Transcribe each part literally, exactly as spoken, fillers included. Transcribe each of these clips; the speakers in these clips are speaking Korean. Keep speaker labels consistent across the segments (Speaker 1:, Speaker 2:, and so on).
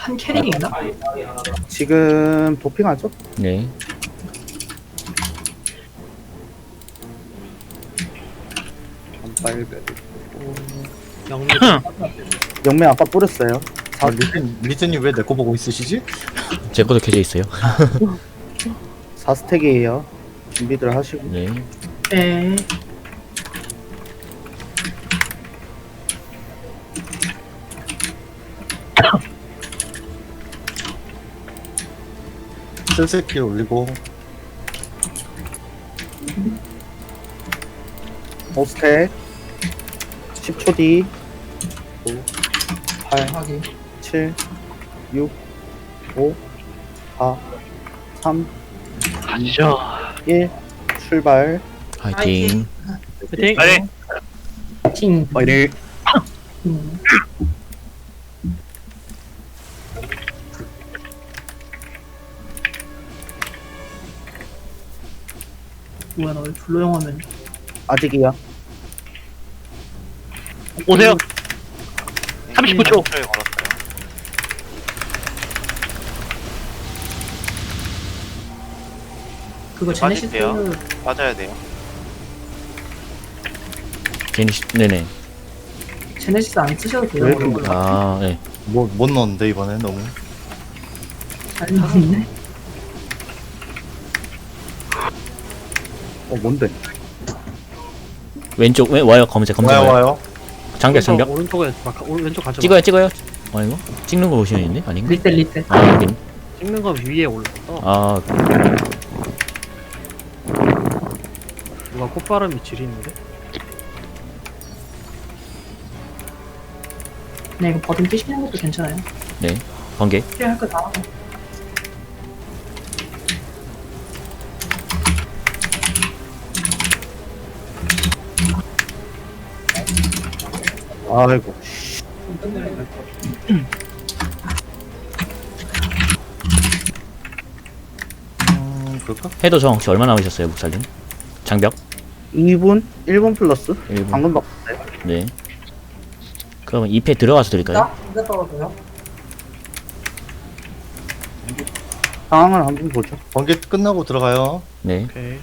Speaker 1: 한 캐릭이 있나?
Speaker 2: 지금 도핑하죠?
Speaker 3: 네.
Speaker 2: 빨베
Speaker 1: 영미.
Speaker 2: 영매 아까 뿌렸어요.
Speaker 4: 아, 리튼, 리튼님 왜 내 거 보고 있으시지?
Speaker 3: 제 것도 켜져 있어요.
Speaker 2: 사 스택이에요. 준비들 하시고.
Speaker 3: 네.
Speaker 1: 네.
Speaker 4: 슬슬길 올리고.
Speaker 2: 오 스택. 십 초 뒤. 오, 팔,
Speaker 1: 확인.
Speaker 2: 칠, 육, 오, 사, 삼,
Speaker 5: 가시죠.
Speaker 2: 일. 출발.
Speaker 3: 화이팅.
Speaker 1: 파이팅.
Speaker 5: 파이팅.
Speaker 1: 팅.
Speaker 2: 파이팅.
Speaker 1: 음. 뭐야 나 왜 블루 영화면
Speaker 2: 아직이야.
Speaker 5: 오세요. 삼십구 초.
Speaker 1: 그거 제네시스
Speaker 6: 맞아야 돼요.
Speaker 3: 제니시, 네네.
Speaker 1: 제네시스 안 쓰셔도 돼요.
Speaker 2: 왜 그런
Speaker 3: 아, 네.
Speaker 4: 뭐, 못 넣었는데, 이번에 너무.
Speaker 1: 잘 나왔네.
Speaker 2: 어 뭔데?
Speaker 3: 왼쪽, 왼, 와요. 검색, 검색.
Speaker 4: 와요,
Speaker 3: 와요.
Speaker 4: 와요.
Speaker 3: 장벽, 장벽.
Speaker 7: 오른쪽에 막 오른 왼쪽 가져.
Speaker 3: 찍어요, 찍어요. 아니고? 찍는 거 보시면 있네? 아닌가?
Speaker 1: 리텔 리텔.
Speaker 3: 아, 여긴.
Speaker 7: 찍는 거 위에 올랐어.
Speaker 3: 아,
Speaker 7: 누가 콧바람이 지리는데?
Speaker 1: 네 이거 버튼 끼시는 것도 괜찮아요.
Speaker 3: 네. 번개.
Speaker 1: 필요할 거 다 하고.
Speaker 2: 아이고.
Speaker 4: 음, 그럴까?
Speaker 3: 해도 정 혹시 얼마 남으셨어요, 목살님? 장벽?
Speaker 2: 이 분? 일 분 플러스?
Speaker 3: 일 분.
Speaker 2: 방금 바꿨어요.
Speaker 3: 네. 그러면 이 패 들어가서 드릴까요?
Speaker 1: 이거 떨어져요?
Speaker 2: 상황을 한번 보죠.
Speaker 4: 번개 끝나고 들어가요.
Speaker 3: 네.
Speaker 7: 오케이.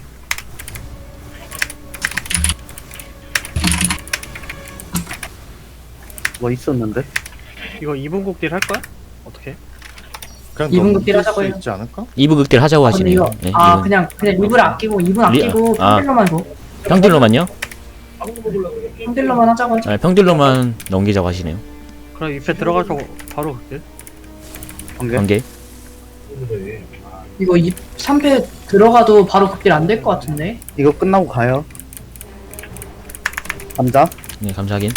Speaker 2: 뭐 있었는데?
Speaker 7: 이거 이 분 곡딜 할 거야? 어떻게?
Speaker 4: 그냥
Speaker 1: 이분
Speaker 4: 넘길
Speaker 1: 극딜 하자고
Speaker 4: 수
Speaker 1: 해요.
Speaker 4: 있지 않을까?
Speaker 3: 이 부 극딜 하자고
Speaker 1: 아, 근데
Speaker 3: 하시네요.
Speaker 1: 이거
Speaker 3: 네.
Speaker 1: 아
Speaker 3: 이분.
Speaker 1: 그냥 그냥 이불 아끼고 이분
Speaker 3: 리-
Speaker 1: 아끼고
Speaker 3: 아.
Speaker 1: 평딜로만 줘.
Speaker 3: 평딜로만요?
Speaker 1: 평딜로만 하자고 하죠.
Speaker 3: 네, 평딜로만 넘기자고 하시네요.
Speaker 7: 그럼 이 패 들어가서 바로 극딜?
Speaker 2: 번개?
Speaker 3: 번개.
Speaker 1: 이거 이 삼 패 들어가도 바로 극딜 안 될 것 같은데.
Speaker 2: 이거 끝나고 가요. 감자?
Speaker 3: 네, 감사하긴.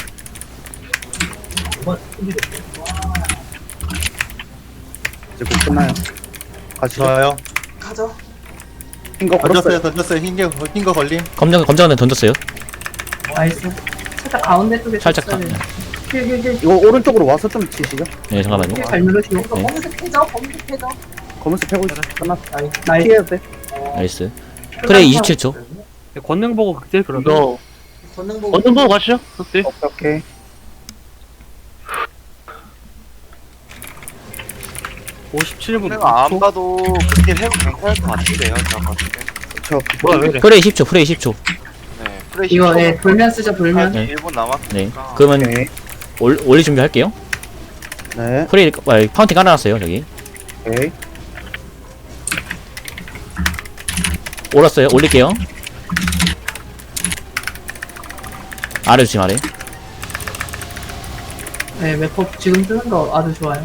Speaker 2: 이제 곧 끝나요. 가시죠.
Speaker 4: 좋아요.
Speaker 1: 가자.
Speaker 2: 흰거
Speaker 4: 던졌어요,
Speaker 2: 걸었어요.
Speaker 4: 던졌어요. 흰 거, 흰거 걸림.
Speaker 3: 검정, 검정한테 던졌어요.
Speaker 1: 나이스. 살짝 가운데 쪽에
Speaker 3: 살짝 가.
Speaker 1: 쳤어야 돼. 힐힐힐
Speaker 2: 이거 오른쪽으로 와서 좀 치시죠.
Speaker 3: 네, 잠깐만요.
Speaker 1: 잘 누르시고.
Speaker 3: 네.
Speaker 1: 검은색 해줘. 검은색 해줘.
Speaker 2: 검은색 패고 있어. 끝났어.
Speaker 1: 나이스. 나이스.
Speaker 2: 피해야 돼.
Speaker 3: 나이스. 프레이 이십칠 초.
Speaker 7: 권능 보고 극딜 그러면?
Speaker 5: 이거
Speaker 1: 걷는 거.
Speaker 5: 어떤 거 가시죠? 극딜.
Speaker 2: 오케이, 오케이.
Speaker 7: 오십칠 분
Speaker 6: 내가 안
Speaker 7: 초?
Speaker 6: 봐도 그렇게 해도 괜찮을 것 같은데요, 제가 봤을 때.
Speaker 2: 저
Speaker 5: 뭐야 왜 이래?
Speaker 3: 프레이 십 초, 프레이 십 초.
Speaker 6: 네, 프레시
Speaker 1: 이거 예 돌면 쓰죠 돌면.
Speaker 3: 네.
Speaker 6: 일 분
Speaker 3: 네.
Speaker 6: 남았으니까.
Speaker 3: 그러면
Speaker 2: 오케이.
Speaker 3: 올, 올릴 준비할게요.
Speaker 2: 네.
Speaker 3: 프레이, 아, 파운틴 깔아놨어요, 저기.
Speaker 2: 오케이.
Speaker 3: 올랐어요. 올릴게요. 아래 주심 아래.
Speaker 1: 네 웹법 지금 뜨는 거 아주 좋아요.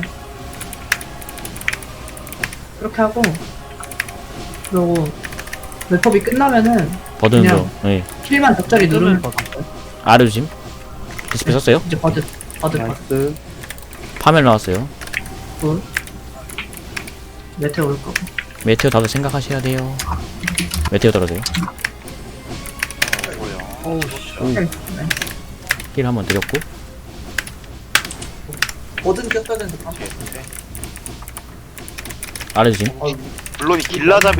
Speaker 1: 그렇게 하고 그리고 웹법이 끝나면은
Speaker 3: 버든으로.
Speaker 1: 그냥-
Speaker 3: 네.
Speaker 1: 킬만 적절히 누르면
Speaker 7: 거
Speaker 3: 아래 주심. 디스플레이 썼어요.
Speaker 1: 이제 버드 버드 버드
Speaker 2: 나이스.
Speaker 3: 파멸 나왔어요.
Speaker 1: 굿. 메테오 올 거고.
Speaker 3: 메테오 다들 생각하셔야 돼요. 메테오 떨어져요.
Speaker 6: 뭐야.
Speaker 7: 어우 씨.
Speaker 1: 네.
Speaker 3: 힐 한번 드렸고.
Speaker 1: 뭐든 꼈어야 되는데
Speaker 3: 아래 주심.
Speaker 6: 물론 이 길라잡이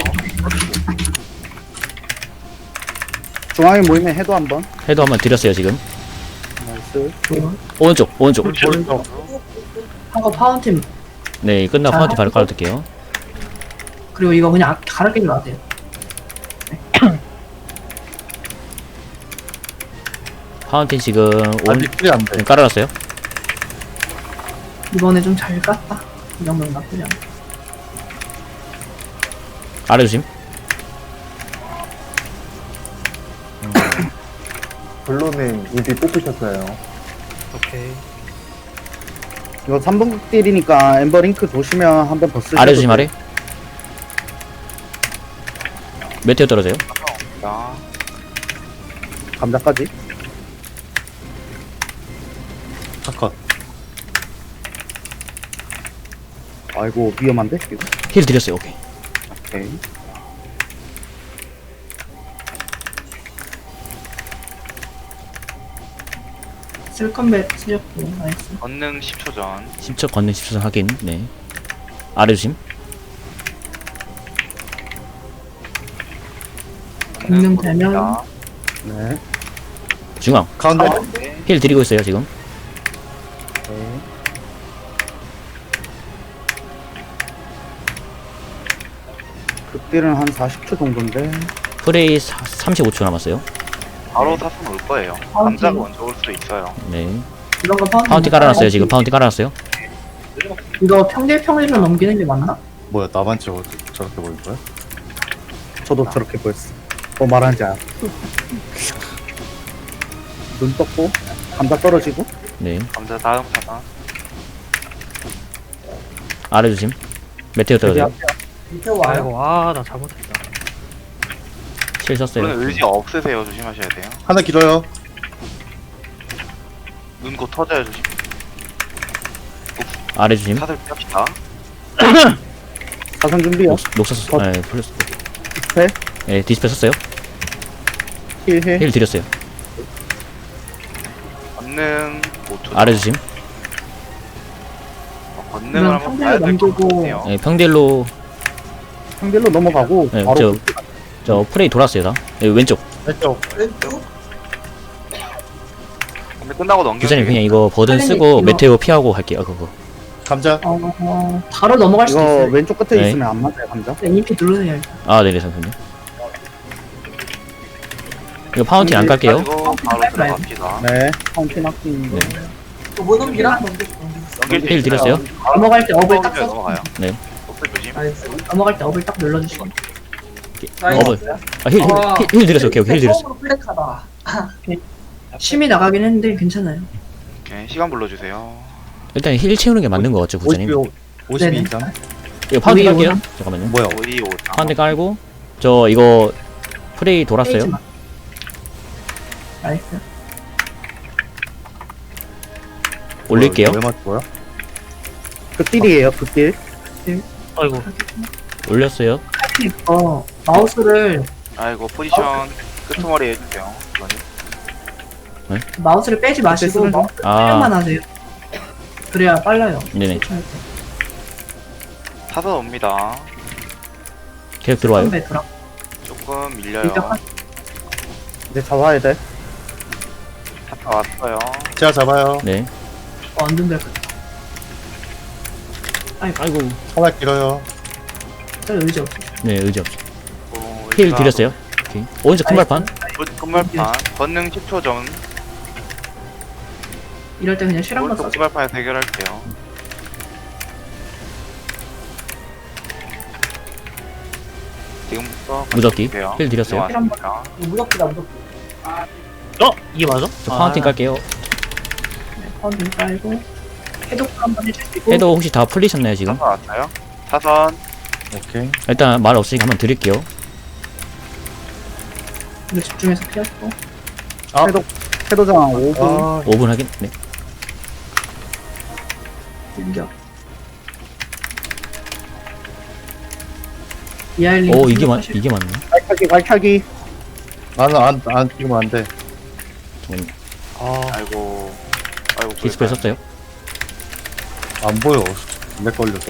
Speaker 2: 중앙에 모이면 해도 한번.
Speaker 3: 해도 한번 드렸어요, 지금.
Speaker 2: 나이스.
Speaker 1: 좋은.
Speaker 3: 오른쪽, 오른쪽.
Speaker 2: 오른쪽.
Speaker 1: 한거 파운틴
Speaker 3: 네, 끝나고
Speaker 1: 자,
Speaker 3: 파운틴 바로
Speaker 1: 하고.
Speaker 3: 깔아둘게요.
Speaker 1: 그리고 이거 그냥 갈아 끼지 마세요.
Speaker 3: 파운틴 지금 온
Speaker 4: 아직 풀이 안 돼.
Speaker 3: 깔아놨어요.
Speaker 1: 이번에 좀 잘 깠다. 이 정도는 나쁘지 않아.
Speaker 3: 아래 조심.
Speaker 8: 블루님 이비 뽑으셨어요.
Speaker 7: 오케이.
Speaker 2: 이거 삼 번 극딜이니까 엠버 링크 도시면 한번 더 쓰셔도
Speaker 3: 아래 조심,
Speaker 2: 돼요.
Speaker 3: 아래. 메테오 떨어져요.
Speaker 6: 자,
Speaker 2: 감자까지.
Speaker 4: 컷.
Speaker 2: 아이고 위험한데 이거.
Speaker 3: 힐 드렸어요. 오케이.
Speaker 2: 오케이.
Speaker 1: 쓸컴백 쓰셨고, 나이스.
Speaker 6: 권능 십 초 전.
Speaker 3: 십 초 걷는 십 초 확인. 네. 아래 조심.
Speaker 1: 권능 되면
Speaker 6: 자,
Speaker 2: 네.
Speaker 3: 중앙.
Speaker 4: 가운데.
Speaker 6: 네.
Speaker 3: 힐 드리고 있어요, 지금.
Speaker 2: 네. 극딜은 한 사십 초 정도인데.
Speaker 3: 프레이 사, 삼십오 초 남았어요.
Speaker 6: 바로 사선 올 거예요.
Speaker 1: 파운틴.
Speaker 6: 남자가 먼저 올 수도 있어요.
Speaker 3: 네.
Speaker 1: 이런 거 파운틴.
Speaker 3: 파운틴 깔아놨어요, 지금. 파운틴 깔아놨어요.
Speaker 1: 이거 평딜 평딜로 넘기는 게 맞나?
Speaker 4: 뭐야 나만 저 저렇게 보인 거야?
Speaker 2: 저도 저렇게 보였어. 뭐 말하는지 알아. 눈 떴고 감자 떨어지고.
Speaker 3: 네.
Speaker 6: 남자 다음 사선.
Speaker 3: 아래 조심. 메테오 떨어져요.
Speaker 7: 아이고, 아, 나 잘못했다.
Speaker 3: 실 썼어요.
Speaker 6: 물론 의지 없으세요. 조심하셔야 돼요.
Speaker 4: 하나 길어요.
Speaker 6: 눈 곧 터져요. 조심.
Speaker 3: 아래 조심.
Speaker 6: 사슬 펴시다.
Speaker 2: 사선 준비요.
Speaker 3: 녹, 녹사 썼, 네, 플러스.
Speaker 2: 디스펠.
Speaker 3: 네, 디스플레이 썼어요.
Speaker 2: 힐해.
Speaker 3: 힐 드렸어요.
Speaker 6: 권능 오 초 전.
Speaker 3: 아래 조심.
Speaker 6: 어, 권능을
Speaker 1: 그냥
Speaker 6: 한번
Speaker 1: 평딜로
Speaker 6: 봐야 될 것
Speaker 1: 넘기고.
Speaker 6: 같아요.
Speaker 3: 네, 평딜로,
Speaker 2: 상딜로 넘어가고
Speaker 3: 네,
Speaker 2: 바로
Speaker 3: 저-
Speaker 2: 극딜.
Speaker 3: 저 프레이 돌았어요, 다. 네, 왼쪽.
Speaker 4: 왼쪽.
Speaker 6: 근데 끝나고 넘겨.
Speaker 3: 기사님 그냥 이거 버든
Speaker 1: 빨리
Speaker 3: 쓰고
Speaker 1: 이거-
Speaker 3: 메테오 피하고 갈게요, 그거.
Speaker 4: 감자.
Speaker 1: 어, 어, 바로 넘어갈 수도
Speaker 2: 이거
Speaker 1: 있어요.
Speaker 2: 왼쪽 끝에
Speaker 3: 네.
Speaker 2: 있으면 안 맞아요 감자.
Speaker 1: 네, 이피 누르세요. 일단.
Speaker 3: 아, 네네, 잠깐만요. 이거 파운틴 안 깔게요.
Speaker 6: 가지고 바로 들어갑시다.
Speaker 2: 네. 파운틴 아끼는 거.
Speaker 3: 네.
Speaker 1: 뭐 넘기라?
Speaker 6: 넘길 수
Speaker 3: 힐
Speaker 6: 있어요.
Speaker 3: 드렸어요.
Speaker 6: 바로
Speaker 1: 넘어갈 때 업을 딱
Speaker 6: 넘어가요,
Speaker 1: 써서.
Speaker 6: 넘어가요.
Speaker 3: 네.
Speaker 6: ოფ스 조심.
Speaker 1: 넘어갈 때 업을 딱 눌러주시고.
Speaker 3: 어버. 아, 힐, 힐, 힐, 힐 드렸어요. 오케이, 오케이, 힐 드렸어.
Speaker 1: 심이 나가긴 했는데 괜찮아요.
Speaker 6: 오케이, 시간 불러주세요.
Speaker 3: 일단 힐 채우는 게 맞는 거 같죠, 구자님?
Speaker 4: 오십이
Speaker 1: 네네.
Speaker 4: 이상.
Speaker 3: 이거 파운틴
Speaker 1: 우리
Speaker 3: 깔게요.
Speaker 1: 오나?
Speaker 3: 잠깐만요.
Speaker 4: 뭐야?
Speaker 6: 오이 오.
Speaker 3: 파운틴 깔고, 저 이거 프레이
Speaker 1: 페이지
Speaker 3: 돌았어요.
Speaker 1: 마. 나이스.
Speaker 3: 올릴게요.
Speaker 4: 왜 맞고요?
Speaker 2: 극딜이에요 극딜.
Speaker 5: 아이고.
Speaker 3: 올렸어요.
Speaker 1: 이거 마우스를
Speaker 6: 아이고 포지션 끄트머리 해주세요. 이거는.
Speaker 1: 마우스를 빼지 마시고
Speaker 2: 쓰는 거?
Speaker 1: 마우스
Speaker 3: 아.
Speaker 1: 사용만 하세요. 그래야 빨라요.
Speaker 3: 네네.
Speaker 6: 사선 옵니다.
Speaker 3: 계속 들어와요.
Speaker 1: 선배 들어.
Speaker 6: 조금 밀려요.
Speaker 1: 일단
Speaker 2: 이제 잡아야 돼.
Speaker 6: 사선 왔어요.
Speaker 4: 제가 잡아요.
Speaker 3: 네.
Speaker 1: 완전 될 거.
Speaker 3: 아이고.
Speaker 4: 하나 길어요.
Speaker 1: 별 의지 없어.
Speaker 3: 네, 의지 없어.
Speaker 6: 오,
Speaker 3: 힐
Speaker 6: 일단
Speaker 3: 드렸어요. 오케이. 오른쪽 큰 발판.
Speaker 6: 오- 끝말판. 권능 십 초 전.
Speaker 1: 이럴 때 그냥 실 한번
Speaker 6: 오른쪽
Speaker 1: 써줘.
Speaker 6: 끝말판에서 해결할게요. 지금부터
Speaker 3: 무적기.
Speaker 6: 보세요.
Speaker 3: 힐 드렸어요.
Speaker 6: 들어왔습니다.
Speaker 1: 무섭기다 무섭기.
Speaker 5: 어? 이게 맞아?
Speaker 3: 저 파운틴
Speaker 5: 아,
Speaker 3: 깔게요.
Speaker 1: 네, 파운틴 깔고 해독 한번 해주시고.
Speaker 3: 해도 혹시 다 풀리셨나요, 지금?
Speaker 6: 사선 왔어요. 사선.
Speaker 4: 오케이.
Speaker 3: 일단 말 없으니까 한번 드릴게요.
Speaker 1: 이거 집중해서 피하고.
Speaker 4: 아.
Speaker 2: 해독 해도장 오 분.
Speaker 4: 아,
Speaker 3: 오 분 하긴. 네.
Speaker 1: 밀려. 이하일링.
Speaker 3: 오, 이게 맞, 이게 맞네.
Speaker 2: 발차기 발차기.
Speaker 4: 나는 안, 안 찍으면 안 돼.
Speaker 3: 잠깐만요.
Speaker 7: 아,
Speaker 6: 아이고. 아이고.
Speaker 3: 디스플레이 썼어요.
Speaker 4: 안 보여. 렉 걸려서.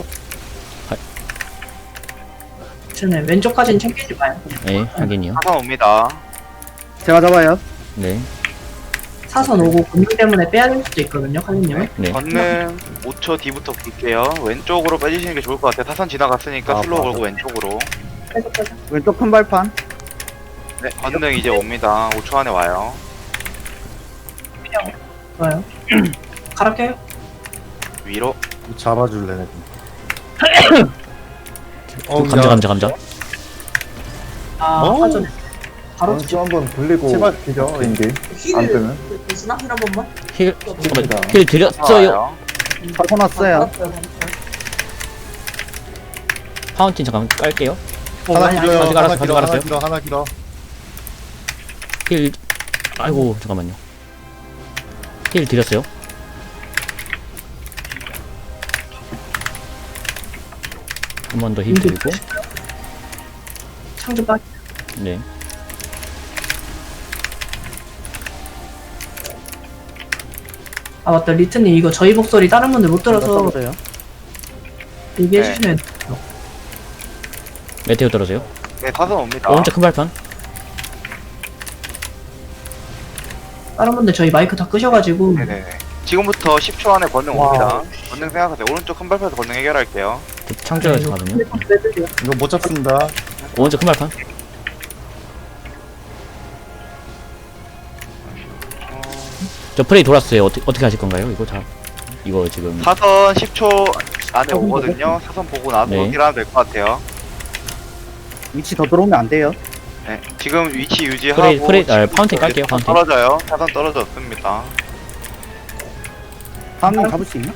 Speaker 1: 전에 왼쪽까지는 챙기지 마요.
Speaker 3: 네, 확인이요.
Speaker 6: 사선 옵니다.
Speaker 2: 제가 잡아요.
Speaker 3: 네.
Speaker 1: 사선 오고 권능 때문에 빼야 될 수도 있거든요, 칼리님은.
Speaker 3: 네.
Speaker 6: 권능 오 초 뒤부터 볼게요. 왼쪽으로 빼주시는 게 좋을 것 같아요. 타선 지나갔으니까
Speaker 4: 아,
Speaker 6: 슬로우
Speaker 4: 맞아.
Speaker 6: 걸고 왼쪽으로.
Speaker 1: 빼서 빼서.
Speaker 2: 왼쪽 큰 발판.
Speaker 6: 네, 권능 이제 옵니다. 오 초 안에 와요.
Speaker 1: 좋아요. 가라 껴요.
Speaker 6: 위로.
Speaker 4: 잡아줄래, 내 어,
Speaker 3: 감자
Speaker 4: 야.
Speaker 3: 감자 감자.
Speaker 1: 아,
Speaker 4: 어?
Speaker 1: 사전. 바로
Speaker 8: 원수 한번 돌리고
Speaker 4: 제발.
Speaker 8: 기죠, 인디. 안 뜨면.
Speaker 9: 되시나? 힐한 번만?
Speaker 3: 힐
Speaker 8: 됩니다.
Speaker 3: 잠깐만 힐 드렸어요.
Speaker 6: 와요.
Speaker 2: 사선 왔어요.
Speaker 3: 파운틴 잠깐 깔게요.
Speaker 4: 하나 길어요.
Speaker 3: 가지고
Speaker 4: 하나
Speaker 3: 알았어,
Speaker 4: 길어,
Speaker 3: 가지고
Speaker 4: 하나
Speaker 3: 알았어요.
Speaker 4: 길어, 하나 길어.
Speaker 3: 힐 아이고 잠깐만요. 힐 드렸어요. 한 번 더 힐 드리고.
Speaker 1: 창조 빠.
Speaker 3: 네.
Speaker 1: 아 맞다, 리트님 이거 저희 목소리 다른 분들 못 들어서
Speaker 2: 써요.
Speaker 1: 얘기해
Speaker 6: 네.
Speaker 1: 주시면.
Speaker 3: 메테오 떨어져요.
Speaker 6: 네, 타선 옵니다.
Speaker 3: 오른쪽 큰 발판.
Speaker 1: 다른 분들 저희 마이크 다 끄셔가지고.
Speaker 6: 네네네. 지금부터 십 초 안에 권능 옵니다. 권능 생각하세요. 오른쪽 큰 발판에서 권능 해결할게요.
Speaker 3: 저 창조에서
Speaker 1: 네,
Speaker 3: 가거든요.
Speaker 4: 이거 못 잡습니다.
Speaker 3: 오른쪽 큰 발판. 저 프레이 돌았어요. 어떻게 어떻게 하실 건가요? 이거 다 이거 지금
Speaker 6: 사선 십 초 안에 오거든요. 사선 보고 나서
Speaker 3: 네.
Speaker 6: 힐하면 될 것 같아요.
Speaker 2: 위치 더 들어오면 안 돼요.
Speaker 6: 네. 지금 위치 유지하고
Speaker 3: 프레이 프레이 아 파운틴
Speaker 6: 이제
Speaker 3: 깔게요. 파운틴.
Speaker 6: 떨어져요. 사선 떨어졌습니다.
Speaker 2: 다음님 잡을 수 있나?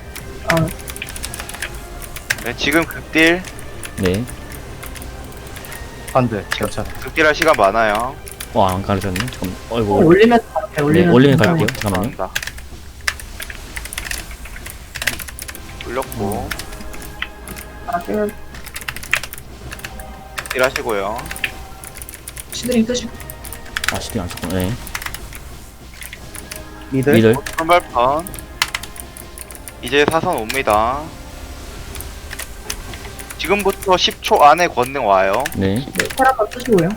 Speaker 6: 네, 지금 극딜
Speaker 3: 네.
Speaker 4: 안 돼. 괜찮아.
Speaker 6: 극딜할 시간 많아요.
Speaker 3: 와안 가르쳤네. 잠깐.
Speaker 1: 어,
Speaker 3: 어이구.
Speaker 1: 올리면 갈게요.
Speaker 3: 네,
Speaker 1: 올리면.
Speaker 3: 올리면
Speaker 1: 괜찮아요.
Speaker 3: 갈게요. 잠깐만요.
Speaker 6: 감사합니다. 올렸고
Speaker 1: 가라 껴요.
Speaker 6: 딜 하시고요.
Speaker 1: 시드링 끄시고.
Speaker 3: 아 시팅 안 썼구나. 네.
Speaker 2: 미들.
Speaker 3: 미들.
Speaker 6: 선발판 이제 사선 옵니다. 지금부터 십 초 안에 권능 와요.
Speaker 3: 네.
Speaker 1: 테라파 끄시고요.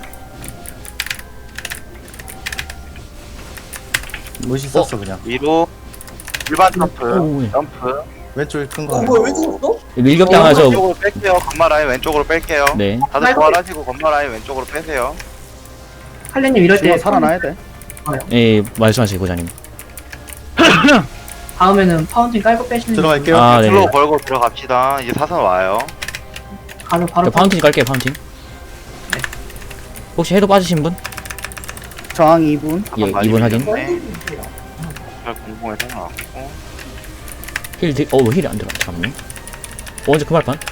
Speaker 4: 무시 썼어, 그냥.
Speaker 6: 위로 일반 점프,
Speaker 3: 오, 예.
Speaker 6: 점프.
Speaker 4: 왼쪽에 큰 거.
Speaker 9: 어,
Speaker 4: 하나.
Speaker 9: 뭐야, 왜 죽었어?
Speaker 3: 밀격 당해서.
Speaker 6: 왼쪽으로 뺄게요. 건마 라인 왼쪽으로 뺄게요.
Speaker 3: 네.
Speaker 6: 다들 부활하시고 건마 라인 왼쪽으로 빼세요.
Speaker 1: 칼리님 이럴
Speaker 2: 지금
Speaker 1: 때
Speaker 2: 살아나야 돼.
Speaker 3: 예 말씀하세요 고자님.
Speaker 1: 다음에는 파운틴 깔고 빼시는.
Speaker 4: 들어갈게요.
Speaker 3: 아
Speaker 6: 슬로우
Speaker 3: 네.
Speaker 6: 걸고 들어갑시다. 이제 사선 와요.
Speaker 1: 바로 바로
Speaker 3: 저 파운틴 깔게요. 파운틴. 혹시 해도 빠지신 분?
Speaker 2: 저항 이 분.
Speaker 3: 예, 이분 확인.
Speaker 6: 네. 잘 공공에서 나왔고.
Speaker 3: 힐 드. 어우 힐이 안 들어. 잠깐만요. 오른쪽 큰 발판.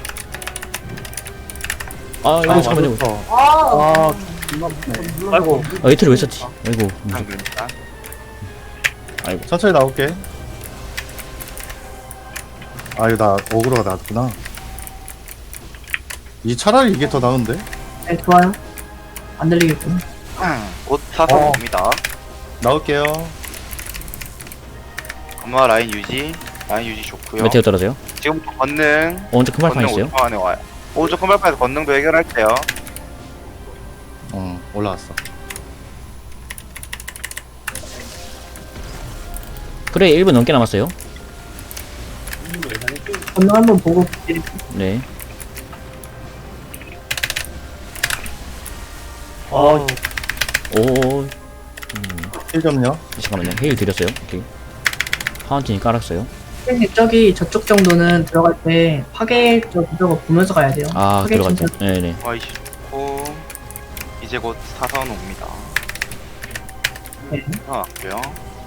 Speaker 3: 아 이거 잠깐만요.
Speaker 9: 아,
Speaker 2: 아,
Speaker 7: 아이고.
Speaker 3: 아 이틀을 왜 썼지? 아이고. 음,
Speaker 6: 한 글자.
Speaker 3: 아이고.
Speaker 4: 천천히 나올게. 아, 이거 나, 어그로가 나왔구나. 이 차라리 이게 더 나은데?
Speaker 1: 네, 좋아요. 안 들리겠군.
Speaker 6: 곧 사선
Speaker 4: 어.
Speaker 6: 옵니다.
Speaker 4: 나올게요.
Speaker 6: 건마 라인 유지. 라인 유지 좋고요.
Speaker 3: 메테오 떨어져요.
Speaker 6: 지금부터 권능.
Speaker 3: 오른쪽 큰 발판
Speaker 6: 권능
Speaker 3: 있어요.
Speaker 6: 오 초 안에 와요. 오른쪽 큰 발판에서 권능도 해결할게요.
Speaker 4: 어, 올라왔어.
Speaker 3: 프레이 일 분 넘게 남았어요.
Speaker 1: 권능 한번 보고.
Speaker 3: 네.
Speaker 7: 어.
Speaker 3: 오.
Speaker 4: 힐 점요.
Speaker 3: 잠깐만요. 헤일 드렸어요. 오케이. 파운틴이 깔았어요.
Speaker 1: 선생님 저기 저쪽 정도는 들어갈 때 파괴 쪽 저거 보면서 가야 돼요.
Speaker 3: 아
Speaker 1: 파괴
Speaker 3: 들어갔죠.
Speaker 1: 진짜
Speaker 3: 네네.
Speaker 6: 와이시 좋고. 이제 곧 사선 옵니다.
Speaker 1: 네.
Speaker 6: 나왔고요.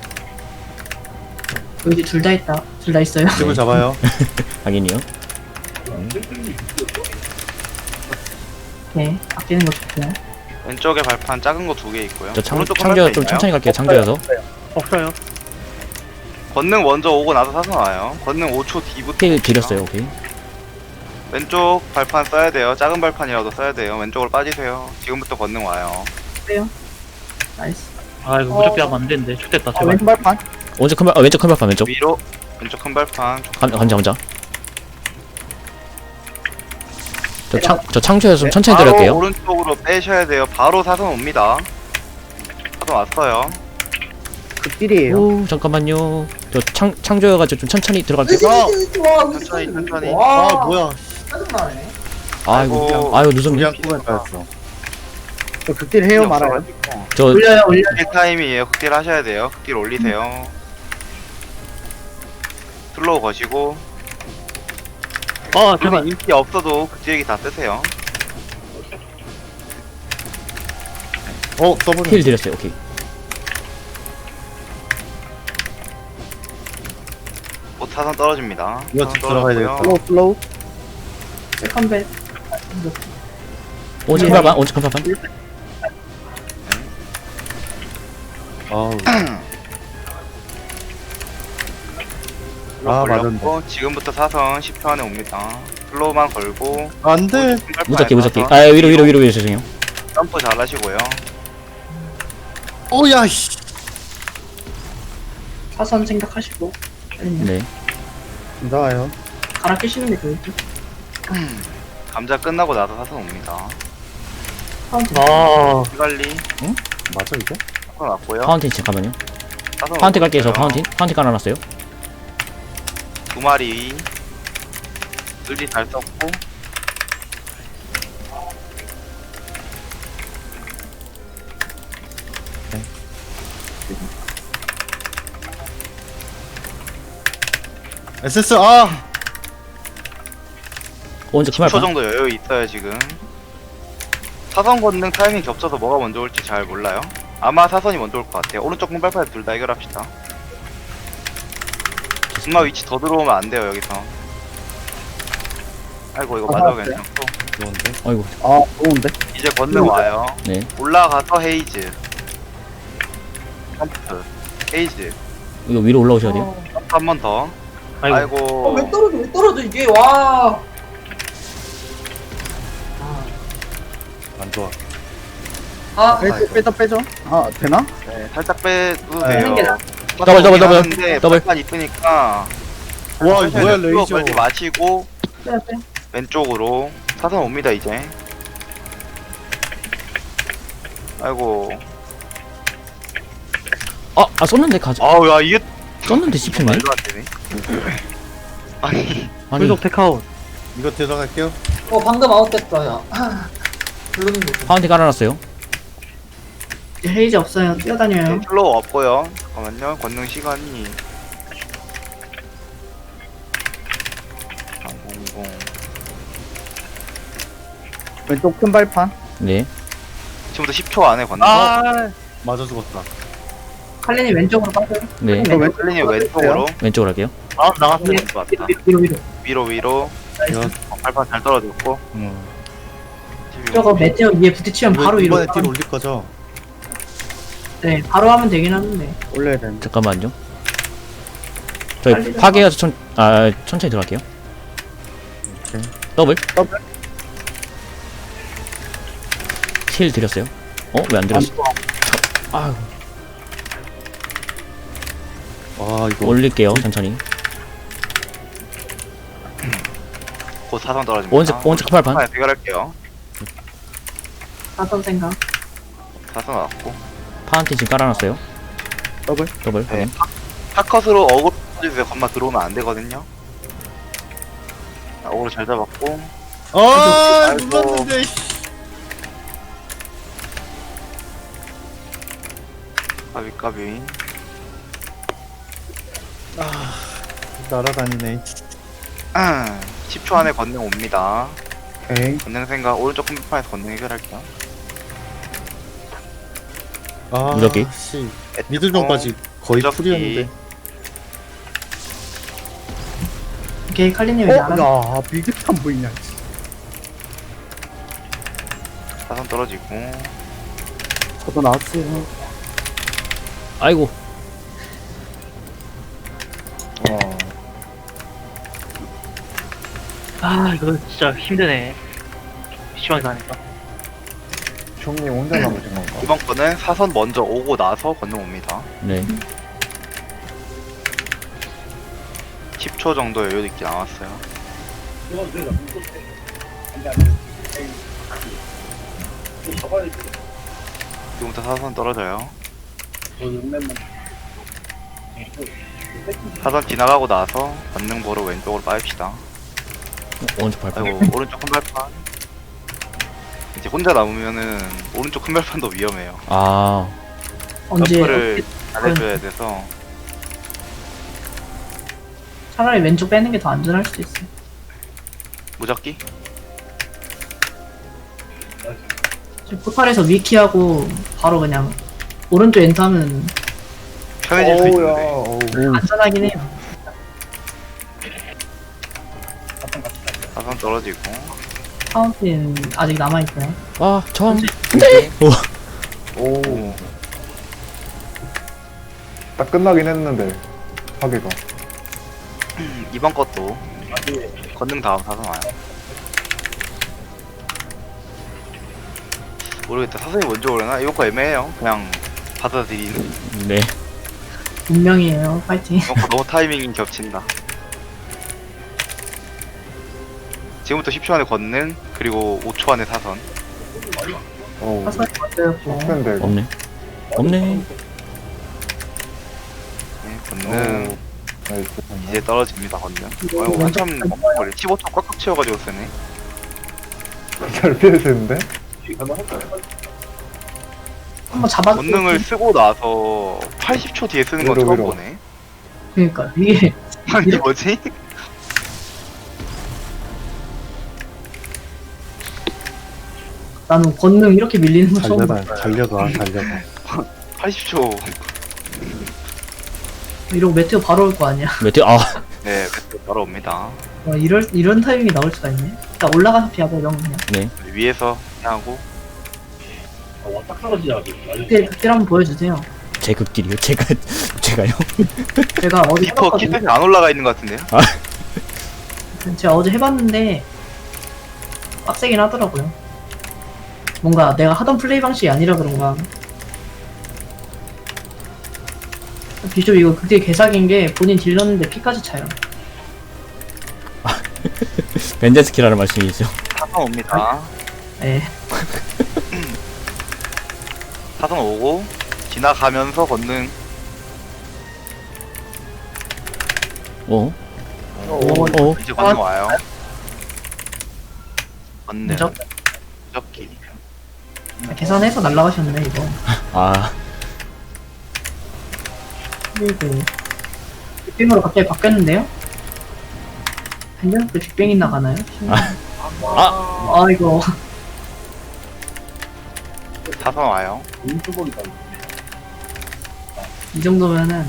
Speaker 1: 여기 둘 다 있다. 둘 다 있어요.
Speaker 4: 집을 잡아요.
Speaker 3: 확인이요.
Speaker 1: 네, 아끼는 거 좋고요.
Speaker 6: 왼쪽에 발판 작은 거 두 개 있고요.
Speaker 3: 저 창,
Speaker 6: 오른쪽 큰
Speaker 3: 창조
Speaker 6: 발판
Speaker 3: 좀
Speaker 6: 있나요?
Speaker 3: 천천히 갈게요. 창조여서.
Speaker 7: 없어요.
Speaker 6: 권능 먼저 오고 나서 사선 와요. 권능 오 초 뒤부터.
Speaker 3: 힐
Speaker 6: 옵니다.
Speaker 3: 드렸어요. 오케이.
Speaker 6: 왼쪽 발판 써야 돼요. 작은 발판이라도 써야 돼요. 왼쪽으로 빠지세요. 지금부터 권능 와요.
Speaker 1: 나이스.
Speaker 7: 아 이거 무적기 하면 안 되는데. 좋됐다
Speaker 2: 아,
Speaker 7: 제발.
Speaker 2: 왼쪽 발판.
Speaker 3: 오른쪽 큰 발, 아, 왼쪽 큰 발판 왼쪽.
Speaker 6: 위로 왼쪽 큰 발판.
Speaker 3: 감, 감자 감자. 저 창, 저 창조여서 좀 천천히
Speaker 6: 바로
Speaker 3: 들을게요.
Speaker 6: 오른쪽으로 빼셔야 돼요. 바로 사선 옵니다. 사선 왔어요.
Speaker 2: 극딜이에요.
Speaker 3: 오 잠깐만요. 저 창 창조여가지고 좀 천천히 들어갈게요.
Speaker 6: 천천히 천천히.
Speaker 4: 아 뭐야
Speaker 1: 짜증나네.
Speaker 3: 아이고
Speaker 6: 아이고.
Speaker 3: 아유 누성님.
Speaker 4: 그냥 꾸면 빠졌어.
Speaker 2: 저 극딜 해요 말아요.
Speaker 3: 저
Speaker 1: 올려요 올려.
Speaker 6: 극딜 타임이에요. 극딜 하셔야 돼요. 극딜 올리세요. 슬로우 거시고.
Speaker 5: 어,
Speaker 6: 제발
Speaker 5: 제발.
Speaker 6: 인기 없어도 극딜기 다 쓰세요.
Speaker 4: 어 써버려.
Speaker 3: 힐 드렸어요. 오케이.
Speaker 6: 곧 사선 떨어집니다.
Speaker 4: 이거
Speaker 6: 사선
Speaker 4: 들어가야
Speaker 6: 떨어졌고요.
Speaker 2: 슬로우 슬로우.
Speaker 1: 세컨bet.
Speaker 3: 오직 큰발판 오직 큰발판.
Speaker 4: 아우.
Speaker 6: 슬로우
Speaker 4: 아,
Speaker 6: 걸렸고 지금부터 사선 십 초 안에 옵니다. 슬로우만 걸고
Speaker 4: 안돼.
Speaker 3: 무적기 무적기. 아 위로 위로 위로 위로 죄송해요.
Speaker 6: 점프 잘 하시고요.
Speaker 4: 오야 씨.
Speaker 1: 사선 생각하시고. 아니면
Speaker 3: 네.
Speaker 2: 나와요.
Speaker 1: 갈아 끼시는 게 좋을지.
Speaker 6: 감자 끝나고 나서 사선 옵니다.
Speaker 1: 카운트.
Speaker 5: 아,
Speaker 6: 피관리
Speaker 4: 맞아 이게?
Speaker 6: 사선 왔고요.
Speaker 3: 파운틴 잠깐만요.
Speaker 6: 사선
Speaker 3: 파운틴 갈게요. 저
Speaker 6: 왔어요.
Speaker 3: 파운틴 파운틴 깔아놨어요.
Speaker 6: 두 마리 의리 잘 썼고
Speaker 4: 에스에스 아.
Speaker 3: 오른쪽
Speaker 6: 십 초
Speaker 3: 큰발판.
Speaker 6: 정도 여유 있어요 지금. 사선 권능 타이밍 겹쳐서 뭐가 먼저 올지 잘 몰라요. 아마 사선이 먼저 올 것 같아요. 오른쪽 공발판 둘 다 해결합시다. 엄마 위치 더 들어오면 안 돼요 여기서. 아이고 이거 맞아
Speaker 2: 나왔어요?
Speaker 6: 괜찮고.
Speaker 4: 좋은데.
Speaker 3: 아이고.
Speaker 2: 아 좋은데.
Speaker 6: 이제 권능 와요.
Speaker 3: 네.
Speaker 6: 올라가서 헤이즈. 점프. 헤이즈.
Speaker 3: 이거 위로 올라오셔야 돼요.
Speaker 6: 점프 한 번 더.
Speaker 5: 아이고.
Speaker 6: 아이고.
Speaker 1: 어, 왜 떨어져 왜 떨어져 이게 와.
Speaker 4: 안 좋아.
Speaker 1: 아
Speaker 2: 빼죠 빼죠 빼죠. 아 되나?
Speaker 6: 네, 살짝 빼도
Speaker 2: 네.
Speaker 6: 돼요.
Speaker 1: 게 나.
Speaker 3: 더블, 더블, 더블,
Speaker 6: 하는데
Speaker 3: 더블.
Speaker 6: 발판 있으니까
Speaker 4: 와 이거 뭐야
Speaker 6: 슬로우
Speaker 4: 레이저.
Speaker 6: 걸지 마시고
Speaker 1: 빼 빼.
Speaker 6: 왼쪽으로 사선 옵니다 이제. 아이고.
Speaker 3: 아, 아 썼는데 가져.
Speaker 6: 아우 야 이게
Speaker 3: 썼는데 씹혔네.
Speaker 6: 말도 안 되네. 아니
Speaker 3: 아니
Speaker 5: 불독 테크아웃.
Speaker 4: 이거 들어갈게요.
Speaker 1: 어 방금 아웃됐다 야. 블루는 거.
Speaker 3: 파운틴 깔아놨어요.
Speaker 1: 헤이즈 없어요. 뛰어다녀요.
Speaker 6: 네, 슬로우 없고요. 잠깐만요. 권능 시간이 삼백십.
Speaker 2: 왼쪽 큰 발판.
Speaker 3: 네.
Speaker 6: 지금부터 십 초 안에 권능.
Speaker 4: 아 맞아 죽었다.
Speaker 1: 칼린이 왼쪽으로 빠져요.
Speaker 3: 네.
Speaker 2: 저 왼쪽
Speaker 6: 클린이 왼쪽으로
Speaker 3: 왼쪽으로 할게요.
Speaker 5: 아, 나갔어.
Speaker 1: 위로
Speaker 6: 왔다.
Speaker 1: 위로 위로.
Speaker 6: 위로 위로.
Speaker 4: 이거
Speaker 6: 어, 발판 잘 떨어졌고.
Speaker 4: 음.
Speaker 1: 저거 메테오 위에 부딪히면 바로 위로.
Speaker 4: 이번에 딜 올릴 거죠?
Speaker 1: 네 바로 하면 되긴 하는데.
Speaker 2: 올려야 되는데.
Speaker 3: 잠깐만요. 저희
Speaker 1: 빨리
Speaker 3: 파괴해서 천, 아, 천천히 들어갈게요.
Speaker 4: 오케이.
Speaker 3: 더블.
Speaker 2: 더블.
Speaker 3: 힐 드렸어요. 어? 왜 안 드렸어? 아유,
Speaker 4: 아 이거
Speaker 3: 올릴게요. 천천히.
Speaker 6: 곧 사선 떨어집니다.
Speaker 3: 오른쪽, 오른쪽 팔판.
Speaker 6: 아, 해결할게요.
Speaker 1: 사선 생각.
Speaker 6: 사선 왔고.
Speaker 3: 파운틴 지금 깔아놨어요.
Speaker 2: 더블.
Speaker 3: 더블.
Speaker 6: 네.
Speaker 3: 확인.
Speaker 6: 타컷으로 어그로 해주세요. 건마 들어오면 안 되거든요. 자, 어그로 잘 잡았고.
Speaker 4: 아
Speaker 6: 아이고.
Speaker 4: 눌렀는데.
Speaker 6: 까비 까비.
Speaker 4: 날아다니네.
Speaker 6: 십 초 안에 권능 옵니다.
Speaker 2: 오케이.
Speaker 6: 권능 생각 오른쪽 컴퓨터에서 권능 해결할게요.
Speaker 4: 아
Speaker 3: 무적기.
Speaker 4: 씨. 미들존까지 거의
Speaker 6: 무적기.
Speaker 4: 풀이었는데.
Speaker 1: 오케이 칼린이
Speaker 2: 어?
Speaker 1: 왜 안? 와
Speaker 2: 야 비교 안 보이냐.
Speaker 6: 사선 떨어지고.
Speaker 2: 저도 나왔어요.
Speaker 3: 아이고.
Speaker 4: 어.
Speaker 5: 아, 이거 진짜 힘드네. 심하게 가니까.
Speaker 8: 형님 혼자 남으신 건가?
Speaker 6: 이번 거는 사선 먼저 오고 나서 권능 옵니다.
Speaker 3: 네.
Speaker 6: 십 초 정도 여유 있게 남았어요. 지금부터 사선 떨어져요. 사선 지나가고 나서 권능 보러 왼쪽으로 빠집시다.
Speaker 3: 오른쪽 발판.
Speaker 6: 아이고 오른쪽 큰 발판. 이제 혼자 남으면은 오른쪽 큰 발판도 위험해요.
Speaker 3: 아,
Speaker 1: 언제
Speaker 6: 점프를 잘해줘야 돼서.
Speaker 1: 차라리 왼쪽 빼는 게 더 안전할 수도 있어요.
Speaker 6: 무적기?
Speaker 1: 지금 포탈에서 위키하고 바로 그냥 오른쪽 엔터하면
Speaker 6: 편해질 수
Speaker 8: 어우야,
Speaker 6: 있는데.
Speaker 8: 어우.
Speaker 1: 안전하긴 해요.
Speaker 6: 사선 떨어지고.
Speaker 1: 파운틴 아직 남아있어요.
Speaker 3: 아, 전.
Speaker 8: 오. 딱 끝나긴 했는데, 파괴가.
Speaker 6: 이번 것도 권능 다음 사선 와요. 모르겠다. 사선이 먼저 오려나? 이번 거 애매해요. 그냥 받아들이는.
Speaker 3: 네.
Speaker 1: 운명이에요. 파이팅.
Speaker 6: 이번 거 너무 타이밍이 겹친다. 지금부터 십 초 안에 권능, 그리고 오 초 안에 사선.
Speaker 8: 어우.
Speaker 1: 사선이 먼저였고.
Speaker 8: 빡센데, 이거.
Speaker 3: 없네. 없네.
Speaker 6: 네, 권능.
Speaker 8: 나이스.
Speaker 6: 이제 떨어집니다, 권능.
Speaker 1: 이거
Speaker 6: 아이고,
Speaker 1: 먼저
Speaker 6: 한참 멈춰버려. 십오 초 꽉꽉 채워가지고 쓰네.
Speaker 8: 잘 피해주는데?
Speaker 1: 한번 잡아.
Speaker 6: 권능을 쓰고 나서 팔십 초 뒤에 쓰는 건
Speaker 8: 위로,
Speaker 6: 처음
Speaker 8: 위로.
Speaker 6: 보네.
Speaker 1: 그러니까 이게
Speaker 6: 아니, 뭐지?
Speaker 1: 나는 권능 이렇게 밀리는 거 처음 봐.
Speaker 4: 달려가 달려가 달려가.
Speaker 6: 팔십 초.
Speaker 1: 이러고 메테오 바로 올 거 아니야.
Speaker 3: 메테오, 아,
Speaker 6: 네, 그때 바로 옵니다.
Speaker 1: 와, 이럴 이런 타이밍이 나올 수가 있네. 일단 올라가서 피하고 이런 거 그냥.
Speaker 3: 네.
Speaker 6: 위에서 하고.
Speaker 1: 그때 그때 한번 보여주세요.
Speaker 3: 제 극딜이요. 제가, 제가요.
Speaker 1: 제가 어제
Speaker 6: 리퍼
Speaker 1: 해봤거든요.
Speaker 6: 키트가 안 올라가 있는 것 같은데요?
Speaker 1: 제가 어제 해봤는데 빡세긴 하더라고요. 뭔가 내가 하던 플레이 방식이 아니라 그런가. 비숍 이거 그게 개사기인 게 본인 딜렀는데 피까지 차요.
Speaker 3: 벤젠스키라는 말씀이죠.
Speaker 6: 사선 옵니다.
Speaker 1: 예.
Speaker 6: 사선 오고 지나가면서 권능.
Speaker 3: 어?
Speaker 1: 오,
Speaker 3: 어?
Speaker 6: 이제 권능 와요. 권능.
Speaker 1: 무적
Speaker 6: 무적기.
Speaker 1: 계산해서 날라가셨네 이거.
Speaker 3: 아,
Speaker 1: 그리고 빅뱅으로 갑자기 바뀌었는데요? 한정도 빅뱅이 나가나요?
Speaker 3: 아.
Speaker 1: 아 이거
Speaker 6: 사선 와요.
Speaker 1: 이 정도면은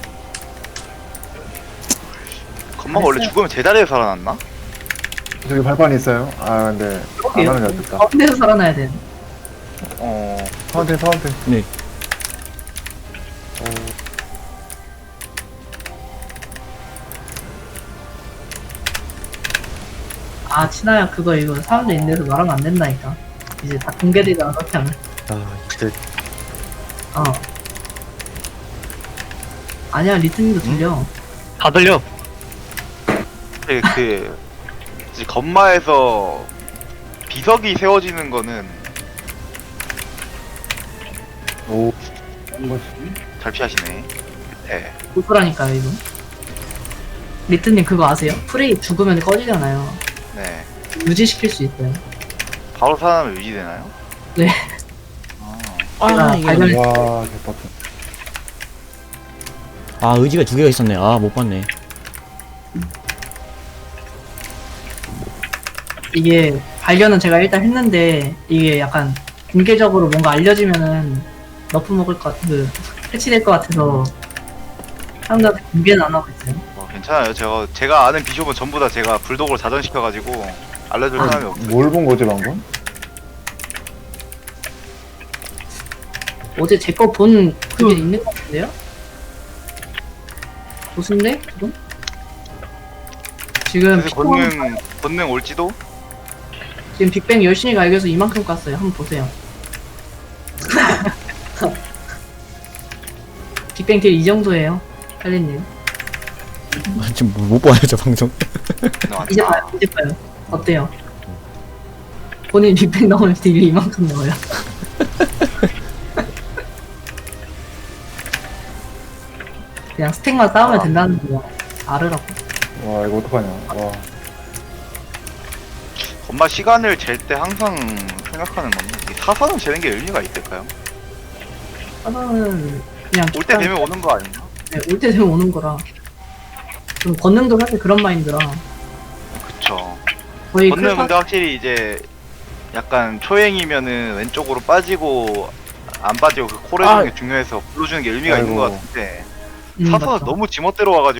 Speaker 6: 건마가 원래 죽으면 제자리에 살아났나?
Speaker 8: 저기 발판이 있어요? 아, 근데, 안
Speaker 1: 그렇게요.
Speaker 8: 하는 게 낫겠다.
Speaker 1: 가운데서 살아나야 돼.
Speaker 6: 어.
Speaker 8: 파운틴, 파운틴.
Speaker 3: 네.
Speaker 1: 아 친아야 그거 이거 사람들 있는 데서 말하면 안 된다니까. 이제 다 공개되잖아 그렇게 하면.
Speaker 4: 아 이제
Speaker 1: 어. 아니야 리트님도 들려.
Speaker 5: 다 들려.
Speaker 6: 그, 그 이제 건마에서 비석이 세워지는 거는
Speaker 8: 오.
Speaker 6: 잘 피하시네. 네.
Speaker 1: 고소라니까요 이거. 리트님 그거 아세요? 프레이 죽으면 꺼지잖아요.
Speaker 6: 네.
Speaker 1: 유지시킬 수 있어요.
Speaker 6: 바로 살아나면 유지되나요?
Speaker 1: 네.
Speaker 6: 아,
Speaker 3: 아,
Speaker 1: 제가
Speaker 3: 이게.
Speaker 1: 발견-
Speaker 8: 와, 개빡쳐.
Speaker 3: 아, 의지가 두 개가 있었네. 아, 못 봤네.
Speaker 1: 이게 발견은 제가 일단 했는데 이게 약간 공개적으로 뭔가 알려지면은 너프 먹을 것 같은 그 해치될 것 같아서 사람들한테 공개는 안 하고 있어요.
Speaker 6: 뭐 괜찮아요. 제가 제가 아는 비숍은 전부 다 제가 불독으로 자전시켜가지고 알려줄 사람이 없어요.
Speaker 8: 뭘 본 거지, 방금?
Speaker 1: 어제 제 거 본 그게 있는 것 같은데요? 무슨데? 지금? 지금
Speaker 6: 그래서
Speaker 1: 빅뱅,
Speaker 6: 권능 권능 올지도.
Speaker 1: 지금 빅뱅 열심히 갈겨서 이만큼 깠어요. 한번 보세요. 빅뱅 딜 이 정도예요. 할리님.
Speaker 3: 아, 지금 못- 못 봐요, 저 방송.
Speaker 1: 이제 봐요. 이제 봐요. 어때요? 본인 빅뱅 나오면 딜이 이만큼 나와요. 그냥 스택만 쌓으면
Speaker 6: 아.
Speaker 1: 된다는 거 알으라고.
Speaker 8: 와 이거 어떡하냐. 와.
Speaker 6: 엄마 시간을 잴 때 항상 생각하는 건데 이 사선을 재는 게 의미가 있을까요?
Speaker 1: 하나는 그냥
Speaker 6: 올 때 되면 오는 거 아닌가?
Speaker 1: 올 때 되면 오는 거라. 좀 권능도 사실 그런 마인드라.
Speaker 6: 그쵸.
Speaker 1: 거의
Speaker 6: 건능
Speaker 1: 클파-
Speaker 6: 근데 확실히 이제 약간 초행이면은 왼쪽으로 빠지고 안 빠지고 그 콜 해주는 게 중요해서 불러주는 게 의미가 있는
Speaker 8: 아이고.
Speaker 6: 것 같은데
Speaker 1: 음,
Speaker 6: 사선은
Speaker 1: 맞죠.
Speaker 6: 너무 지멋대로 와가지고